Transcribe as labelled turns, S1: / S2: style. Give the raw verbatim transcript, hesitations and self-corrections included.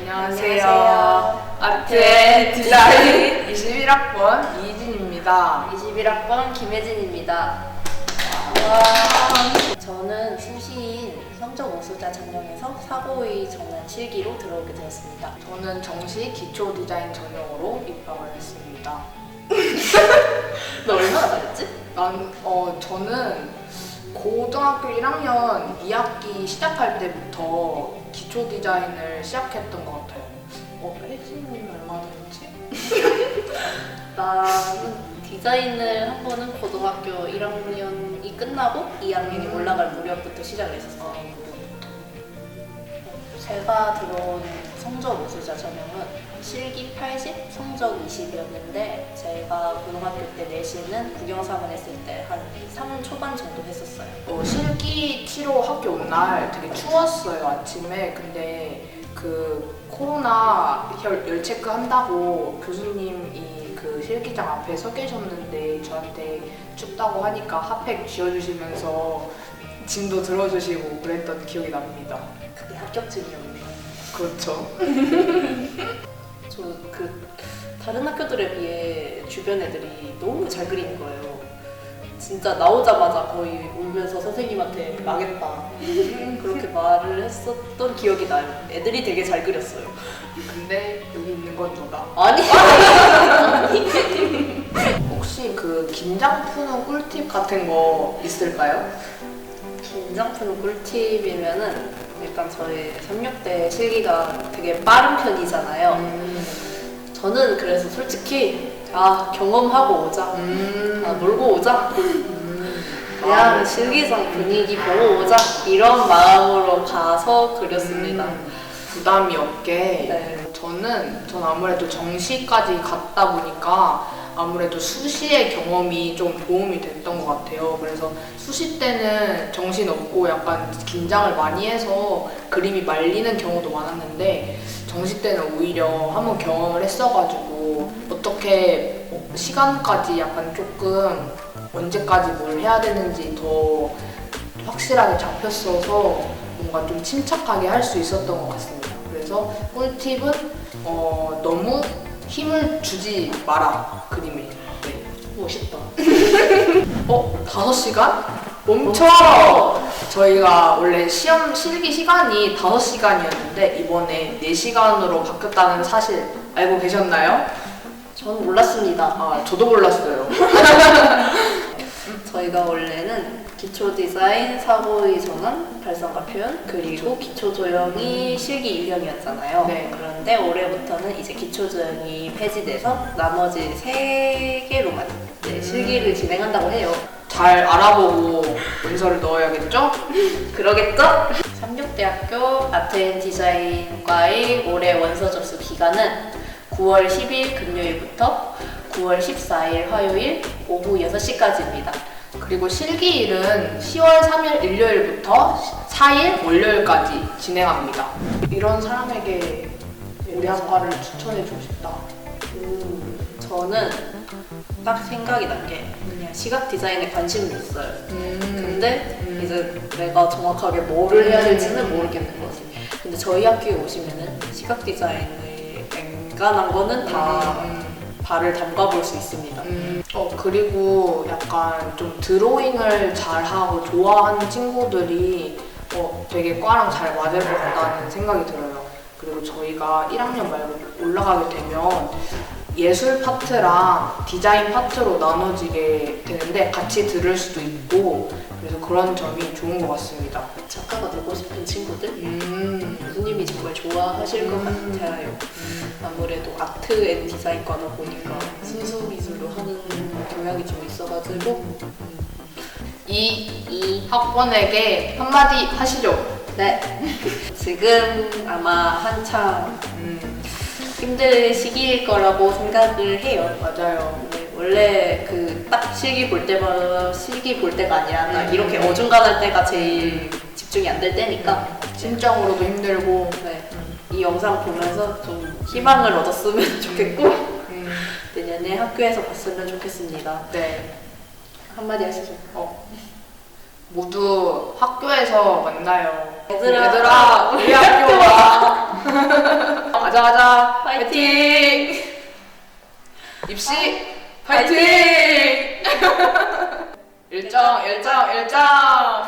S1: 안녕하세요. 아트의 디자인 이십일 학번 이희진입니다.
S2: 이십일 학번 김혜진입니다. 와. 저는 수시인 성적 우수자 전형에서 사고의 전환 실기로 들어오게 되었습니다.
S1: 저는 정시 기초 디자인 전형으로 입학을 했습니다.
S2: 너 얼마나 다녔지?
S1: 난, 어, 저는 고등학교 일 학년 이 학기 시작할 때부터 기초 디자인을 시작했던 것 같아요. 어, 혜진이는 얼마나 됐지?
S2: 나는 디자인을 한 번은 고등학교 일 학년이 끝나고 이 학년이
S1: 음.
S2: 올라갈 무렵부터 시작을 했었어요. 제가 들어온 성적 우수자 전형은 실기 팔십, 성적 이십이었는데 제가 고등학교 때 내신은 국영삼을 했을 때 한 삼 초반 정도 했었어요.
S1: 어, 실기 치러 학교 온 날 되게 추웠어요, 아침에. 근데 그 코로나 열, 열 체크 한다고 교수님이 그 실기장 앞에 서 계셨는데 저한테 춥다고 하니까 핫팩 쥐어주시면서 짐도 들어주시고 그랬던 기억이 납니다.
S2: 그게 합격증이었네요.
S1: 그렇죠.
S2: 저 그 다른 학교들에 비해 주변 애들이 너무 잘 그리는 거예요. 진짜 나오자마자 거의 울면서 선생님한테 망했다 그렇게 말을 했었던 기억이 나요. 애들이 되게 잘 그렸어요.
S1: 근데 여기 있는 건 너다.
S2: 아니
S1: 혹시 그 긴장 푸는 꿀팁 같은 거 있을까요?
S2: 긴장 푸는 꿀팁이면은 일단 저희 삼육대 실기가 되게 빠른 편이잖아요.
S1: 음.
S2: 저는 그래서 솔직히 아 경험하고 오자,
S1: 음.
S2: 아 놀고 오자,
S1: 음.
S2: 그냥
S1: 아,
S2: 실기장 분위기 보고 오자 이런 마음으로 가서 그렸습니다.
S1: 음, 부담이 없게.
S2: 네.
S1: 저는 전 아무래도 정시까지 갔다 보니까 아무래도 수시의 경험이 좀 도움이 됐던 것 같아요. 그래서 수시 때는 정신 없고 약간 긴장을 많이 해서 그림이 말리는 경우도 많았는데 정시 때는 오히려 한번 경험을 했어가지고 어떻게 시간까지 약간 조금 언제까지 뭘 해야 되는지 더 확실하게 잡혔어서 뭔가 좀 침착하게 할 수 있었던 것 같습니다. 그래서 꿀팁은 어, 너무 힘을 주지 마라, 그림에. 네.
S2: 멋있다.
S1: 어? 다섯 시간? 멈춰! 저희가 원래 시험 실기 시간이 다섯 시간이었는데 이번에 네 시간으로 바뀌었다는 사실 알고 계셨나요?
S2: 전 몰랐습니다.
S1: 아, 저도 몰랐어요.
S2: 저희가 원래는 기초 디자인, 사고의 전환, 발상과 표현, 그리고 기초 조형이 실기 일 년이었잖아요.
S1: 네.
S2: 그런데 올해부터는 이제 기초 조형이 폐지돼서 나머지 세 개로만 네, 실기를 진행한다고 해요.
S1: 잘 알아보고 문서를 넣어야겠죠?
S2: 그러겠죠? 삼육대학교 아트앤디자인과의 올해 원서 접수 기간은 구월 십일 금요일부터 구월 십사일 화요일 오후 여섯 시까지입니다.
S1: 그리고 실기일은 시월 삼일 일요일부터 사일 월요일까지 진행합니다. 이런 사람에게 우리 학과를 추천해주고 싶다.
S2: 음, 저는 딱 생각이 난 게 그냥 시각 디자인에 관심이 있어요.
S1: 음.
S2: 근데
S1: 음.
S2: 이제 내가 정확하게 뭐를 해야 될지는 모르겠는 거지. 근데 저희 학교에 오시면은 시각 디자인의 앵간한 거는 다
S1: 음.
S2: 발을 담가 볼 수 있습니다.
S1: 음, 어, 그리고 약간 좀 드로잉을 잘하고 좋아하는 친구들이 어, 되게 과랑 잘 맞을 것 같다는 생각이 들어요. 그리고 저희가 일 학년 말고 올라가게 되면 예술 파트랑 디자인 파트로 나눠지게 되는데 같이 들을 수도 있고 그래서 그런 점이 좋은 것 같습니다.
S2: 작가가 되고 싶은 친구들?
S1: 음,
S2: 교수님이 정말 좋아하실 것
S1: 음.
S2: 같아요. 아무래도 아트 앤 디자인과다 보니까 순수 미술로 하는 경향이 좀 있어가지고
S1: 이, 이 학번에게 한마디 하시죠.
S2: 네 지금 아마 한참
S1: 음,
S2: 힘들 시기일 거라고 생각을 해요.
S1: 맞아요.
S2: 네, 원래 그 딱 실기 볼 때마다 실기 볼 때가 아니라 딱
S1: 음.
S2: 이렇게 어중간할 때가 제일 집중이 안 될 때니까
S1: 심적으로도 힘들고
S2: 네, 이 영상 보면서 좀 희망을 얻었으면 좋겠고
S1: 음,
S2: 내년에 학교에서 봤으면 좋겠습니다.
S1: 네.
S2: 한마디 하시죠.
S1: 어, 모두 학교에서 만나요.
S2: 얘들아.
S1: 얘들아, 우리 학교 와. 가자 가자
S2: 파이팅!
S1: 입시 파이팅! 일정 일정 일정